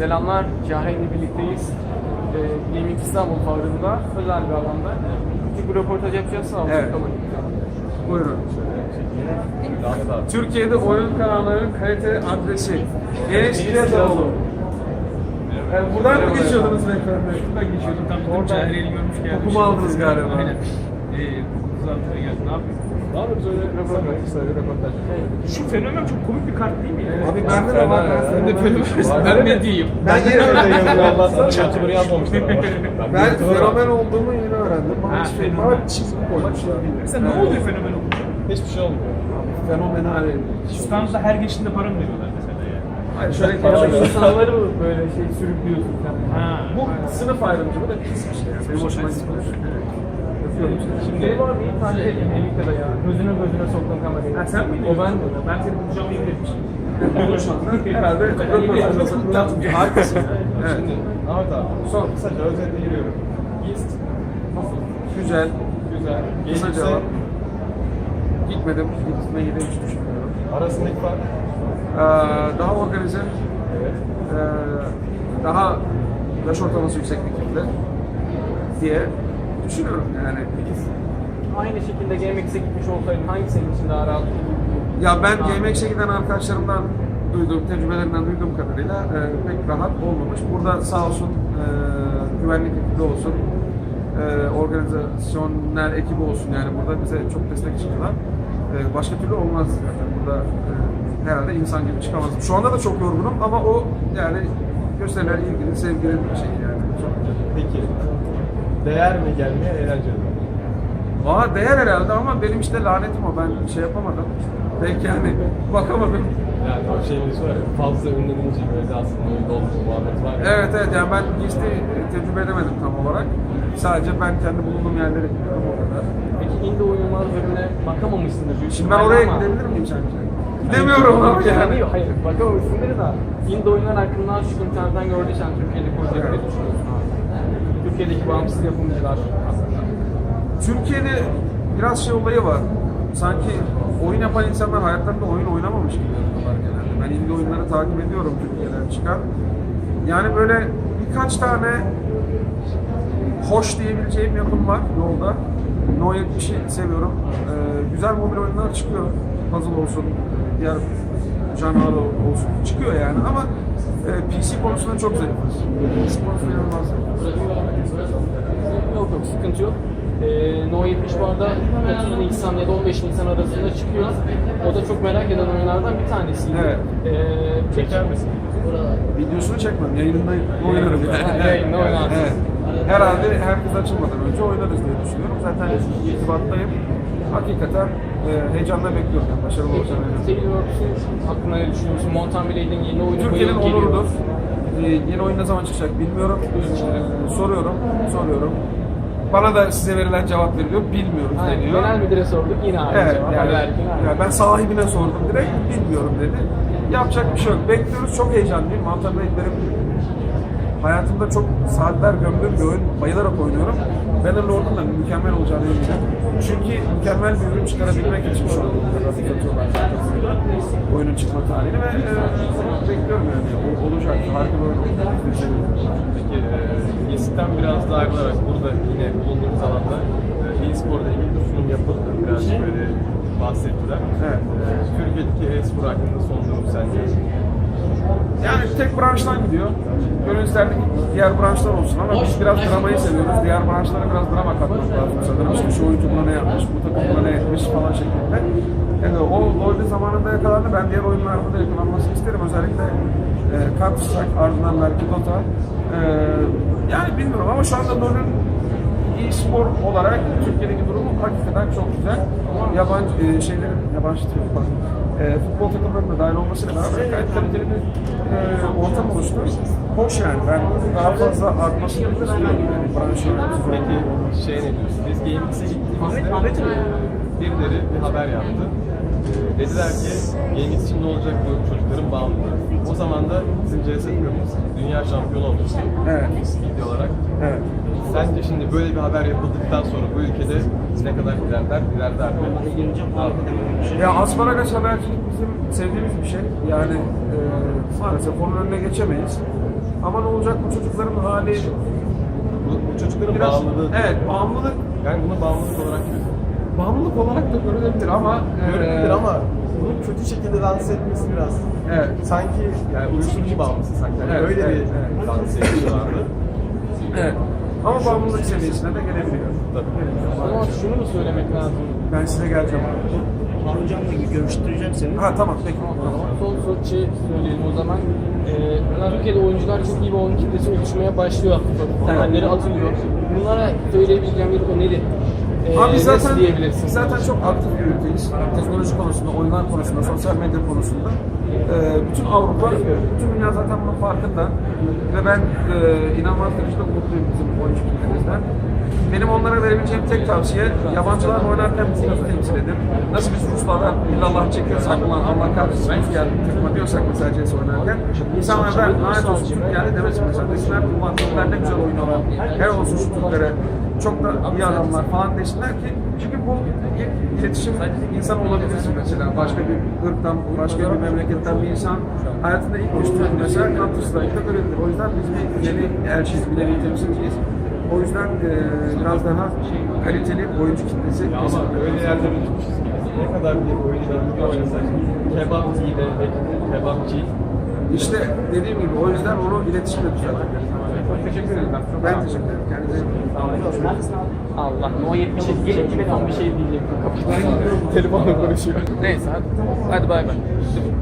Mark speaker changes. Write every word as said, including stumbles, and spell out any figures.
Speaker 1: Selamlar, Cahreyn'le birlikteyiz. Ee, Gaming İstanbul fuarında, özel bir alanda. Küçük bir röportaj yapacağız, sağ olun.
Speaker 2: Evet. Buyurun. Türkiye'de oyun kanallarının kalite adresi. Eneşkiletoğlu. Yani buradan mı geçiyordunuz beyefendi?
Speaker 3: Ben geçiyordum tam dedim Cahreyn'i görmüş geldim.
Speaker 2: Kokumu aldınız galiba.
Speaker 3: Aynen. Eee kokusu altına geldi. Ne yapıyorsun?
Speaker 2: Ne yapıyoruz öyle röportaj, kısa bir röportaj.
Speaker 3: Şu fenomen çok komik bir kart değil mi ya?
Speaker 2: Abi bende de var.
Speaker 3: Ben de fenomen. Ben ne diyeyim?
Speaker 2: Ben yeni öğrendim.
Speaker 4: Allah'tan YouTuber yazmamışlar ama.
Speaker 2: Ben fenomen olduğumu yeni öğrendim. Bana
Speaker 3: Ha,
Speaker 2: hiç
Speaker 3: fenomen.
Speaker 2: fenomen çizgi koymuş.
Speaker 3: Mesela ne oluyor fenomen olunca?
Speaker 4: Hiçbir şey olmuyor.
Speaker 2: Fenomenal.
Speaker 3: İstanbul'da her geçtiğinde para mı veriyorlar mesela ya?
Speaker 2: Hayır şöyle
Speaker 1: Ya da
Speaker 2: geçiyor.
Speaker 1: insanları mı böyle şey sürüklüyorsun sen?
Speaker 3: Ha.
Speaker 2: Bu sınıf ayrımcılığı da pis bir şey. Yani. Benim hoşuma gitmiyor. Yapıyorum işte.
Speaker 1: Şimdi şey var bir tane Elika'da ya, gözüne gözüne soktun kamerayı.
Speaker 3: Ha sen miydin?
Speaker 1: O ben de.
Speaker 3: Ben seni bulacağımı yemin etmiştim.
Speaker 2: Herhalde röportajda harikasın. Evet.
Speaker 4: Şimdi Ahmet abi,
Speaker 2: Son.
Speaker 4: kısaca özetle giriyorum. East,
Speaker 2: Güzel.
Speaker 4: güzel,
Speaker 2: Kısa
Speaker 4: gelirse
Speaker 2: cevap. Gitmedim. Gitmeyi de hiç düşünmüyorum.
Speaker 4: arasındaki fark.
Speaker 2: Ee, daha organize,
Speaker 4: Evet.
Speaker 2: ee, daha yaş ortalaması yüksek bir kitle diye düşünüyorum yani.
Speaker 1: Aynı şekilde G M X'e gitmiş olsaydın hangi senin için daha rahat?
Speaker 2: Ya ben G M X'e giden arkadaşlarımdan duyduğum, tecrübelerinden duyduğum kadarıyla e, pek rahat olmamış. Burada sağ olsun e, güvenlik ekibi olsun, e, organizasyonel ekibi olsun yani burada bize çok destek çıktılar. E, başka türlü olmaz zaten burada e, herhalde insan gibi çıkamazdım. Şu anda da çok yorgunum ama o yani gösterilen ilgili, sevgili bir şey yani. Çok güzel.
Speaker 4: Peki, değer mi gelmeye, eğlenceli mi?
Speaker 2: Valla değer herhalde ama benim işte lanetim o. Ben şey yapamadım. Belki yani bakamadım.
Speaker 4: Yani o şeyimiz var ya, fazla ünlenince böyle aslında öyle olmuş muhabbet var ya.
Speaker 2: Evet evet yani ben gizli tecrübe edemedim tam olarak. Sadece ben kendi bulunduğum yerleri biliyorum o kadar.
Speaker 1: Peki indie oyunlar bölümüne bakamamışsındır büyük
Speaker 2: Şimdi ben
Speaker 1: ihtimalle
Speaker 2: oraya
Speaker 1: ama-
Speaker 2: gidebilir miyim sence? Gidemiyorum ama yani.
Speaker 1: Yok, hayır bakamamışsındır da indie oyunlar hakkında şu internetten gördüysen Türkiye'de projeleri
Speaker 2: Evet.
Speaker 1: düşünüyorsun abi. Türkiye'deki bağımsız yapımcılar aslında.
Speaker 2: Türkiye'de biraz şey olayı var. Sanki oyun yapan insanlar hayatlarında oyun oynamamış gibi yapıyorlar genelde. Ben indie oyunları takip ediyorum Türkiye'den çıkan. Yani böyle birkaç tane hoş diyebileceğim yapım var yolda. No yetmişi seviyorum. Ee, güzel mobil oyunlar çıkıyor. Puzzle olsun, diğer janrlar olsun çıkıyor yani ama e, P C konusunda çok zayıfız. P C konusunda inanılmaz zayıfız.
Speaker 1: Yok yok sıkıntı yok. Ee, No yetmiş bu arada otuz Nisan ya da on beş Nisan arasında çıkıyor. O da çok merak eden oyunlardan bir tanesiydi.
Speaker 2: Evet.
Speaker 1: Ee,
Speaker 4: Çeker misin?
Speaker 2: Videosunu çekmem, yayınında oynarım yani.
Speaker 1: Ha, yayında oynarsın.
Speaker 2: Evet. Herhalde herkes açılmadan önce oynarız diye düşünüyorum. Zaten irtibattayım. Hakikaten e, heyecanla bekliyorum. Yani başarılı olacağını eminim.
Speaker 1: Taylor'un hakkında ne düşünüyorsun? Mountain Blade'in yeni oyunu bu
Speaker 2: Türkiye'nin
Speaker 1: yıl geliyor.
Speaker 2: onurudur. E, yeni oyun ne zaman çıkacak bilmiyorum. E, soruyorum, soruyorum. Bana da size verilen cevap veriliyor, bilmiyoruz
Speaker 1: Aynen,
Speaker 2: deniyor.
Speaker 1: genel müdüre sorduk yine aynı
Speaker 2: Evet,
Speaker 1: cevap.
Speaker 2: yani,
Speaker 1: Verdik, aynen.
Speaker 2: yani ben sahibine sordum direkt, bilmiyorum dedi. Yapacak bir şey yok. Bekliyoruz, çok heyecanlıyım. Mountain Blade benim hayatımda çok saatler gömdüğüm bir oyun, bayılarak oynuyorum. Bannerlord'un da mükemmel olacağını eminim. Çünkü mükemmel bir ürün çıkarabilmek için şu an bu kadar atıyorlar zaten oyunun çıkma tarihini ve e, bekliyorum yani. O, olacak, harika bir oyun olacak.
Speaker 4: Peki, e, East'ten biraz daha ayrılarak burada yine bulunduğumuz alanda e, e-spor'da ilgili bir sunum yapıldı. Birazcık böyle bahsettiler.
Speaker 2: Evet.
Speaker 4: E, Türkiye'deki e-spor hakkında son durum sence?
Speaker 2: Yani tek branştan gidiyor. Gönül isterdik diğer branşlar olsun ama biz biraz dramayı seviyoruz. Diğer branşlara biraz drama katmak lazım sanırım. İşte şu oyuncu buna ne yapmış, bu takım buna ne etmiş falan şeklinde. Yani o LoL'de zamanında yakalandı. Ben diğer oyunlarda da yakalanmasını isterim. Özellikle e, Counter Strike, ardından belki Dota. E, yani bilmiyorum ama şu anda LoL'ün e-spor olarak Türkiye'deki durumu hakikaten çok güzel. Yabancı e, şeylerin, yabancı değil, pardon. E, futbol takımlarının da dahil olmasıyla beraber gayet kaliteli bir e, ortam oluştu. Hoş yani, ben daha fazla artmasını istiyorum. Yani branş yöneticisi
Speaker 4: Peki
Speaker 2: olmak.
Speaker 4: şey ne diyorsun? Biz G M X'e gittiğimizde
Speaker 1: Ahmet, Ahmet mi?
Speaker 4: birileri bir haber yaptı. Ee, dediler ki G M X için ne olacak bu çocukların bağımlılığı. O zaman da bizim C S takımımız dünya şampiyonu olmuştu.
Speaker 2: Evet.
Speaker 4: Video olarak.
Speaker 2: Evet.
Speaker 4: Sence şimdi böyle bir haber yapıldıktan sonra bu ülkede ne kadar ilerler, ilerler mi?
Speaker 2: Ya asparagas habercilik bizim sevdiğimiz bir şey. Yani e, maalesef onun önüne geçemeyiz. ama ne olacak bu çocukların hali
Speaker 4: Bu, bu çocukların
Speaker 2: biraz
Speaker 4: bağımlılığı.
Speaker 2: evet bağımlılık
Speaker 4: Yani bunu bağımlılık olarak görüyorum.
Speaker 2: bağımlılık olarak da görülebilir ama
Speaker 4: Görülebilir
Speaker 2: e,
Speaker 4: ama bunu kötü şekilde lanse etmesi biraz
Speaker 2: evet.
Speaker 4: sanki yani uyuşturucu bağımlısı sanki. Yani
Speaker 2: Evet,
Speaker 4: öyle
Speaker 2: evet,
Speaker 4: bir
Speaker 2: evet.
Speaker 4: lanse ediyorlardı.
Speaker 2: Evet. Ama bağımlılık seviyesine de gelebiliyor.
Speaker 1: Ama şunu mu söylemek lazım?
Speaker 2: Ben size geleceğim abi.
Speaker 5: Hocamla görüştüreceğim seni.
Speaker 2: Ha tamam peki. Tamam.
Speaker 1: Son son şey söyleyelim o zaman. Ee, Türkiye'de oyuncular çok iyi bir oyun kitlesi oluşmaya başlıyor. Temelleri atılıyor. Bunlara söyleyebileceğim bir öneri. Ee,
Speaker 2: Abi
Speaker 1: nasıl
Speaker 2: zaten
Speaker 1: diyebilirsin?
Speaker 2: zaten çok aktif bir ülkeyiz. Teknoloji konusunda, oyunlar konusunda, sosyal medya konusunda. Ee, bütün Avrupa, bütün dünya zaten bunun farkında. Ve ben e, inanılmaz derecede umutluyum bizim oyuncu kitlemizden. Benim onlara verebileceğim tek tavsiye, yabancılar oynarken bizi iyi temsil edin. Nasıl biz Ruslarla illallah çekiyorsak, ulan Allah kahretsin Rus geldi takıma diyorsak mesela C S oynarken, insanlar da lanet olsun Türk geldi demesin mesela. Desinler ki ulan Türkler ne güzel oynuyorlar, her olsun şu Türklere, çok da iyi adamlar falan desinler ki, çünkü bu bir iletişim insan olabilirsin mesela. Başka bir ırktan, başka bir memleketten bir insan hayatında ilk düştüğünde mesela Counter Strike'da görebilir. O yüzden biz bir yeni elçiyiz, bir yeni temsilciyiz. O yüzden e, biraz daha kaliteli oyuncu kitlesi
Speaker 4: Ama
Speaker 2: kesinlikle.
Speaker 4: öyle yerlere düşmüşüz ki ne kadar bir oyuncu oynasak kebapçıyı de kebapçı.
Speaker 2: İşte dediğim gibi o yüzden onu iletişimle düzeltmek.
Speaker 1: Çok teşekkür ederim.
Speaker 2: Ben teşekkür ederim. Kendinize iyi bakın.
Speaker 1: Allah, No yetmiş yedi gibi tam bir şey diyecektim. Kapatıyorum. Telefonla konuşuyor. Neyse hadi. Hadi bay bay.